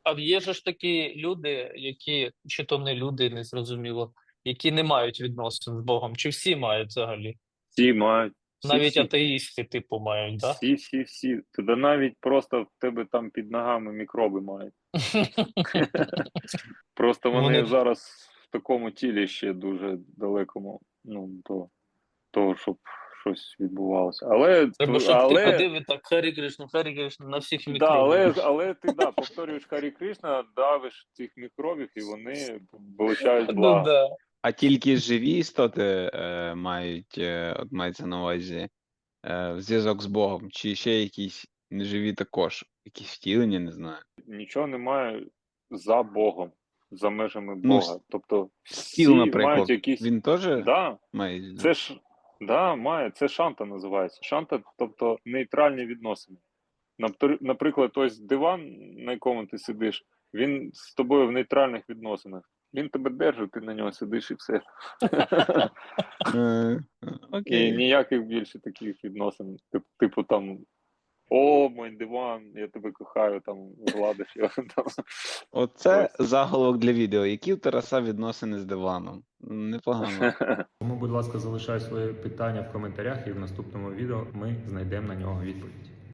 А є же ж такі люди, які, чи то не люди, не зрозуміло, які не мають відносин з Богом, чи всі мають взагалі? Всі мають, Навіть всі. атеїсти, типу, мають, так? Всі. Тоді навіть просто в тебе там під ногами мікроби мають. Просто вони Вони зараз в такому тілі ще дуже далекому, ну, до того, щоб щось відбувалося. треба, щоб ти ходив і так Харі Кришна на всіх Да, мікробів. але ти повторюєш Харі Кришна, давиш цих мікробів, і вони вилучають Ну благо. да. А тільки живі істоти мають, от мається на увазі, зв'язок з Богом, чи ще якісь неживі також, якісь втілення, не знаю. Нічого немає за Богом, за межами Ну, Бога. Тобто Стіл, всі мають наприклад, якісь. він теж Да, має. це ж має, це шанта називається. Шанта, тобто нейтральні відносини. Наприклад, ось диван, на якому ти сидиш, він з тобою в нейтральних відносинах. Він тебе держить, ти на нього сидиш і все. І Окей. ніяких більше таких відносин. Типу там: о, мой диван, я тебе кохаю, там гладиш його. Там. Оце заголовок для відео. Які в Тараса відносини з диваном? Непогано. Тому, будь ласка, залишай свої питання в коментарях, і в наступному відео ми знайдемо на нього відповідь.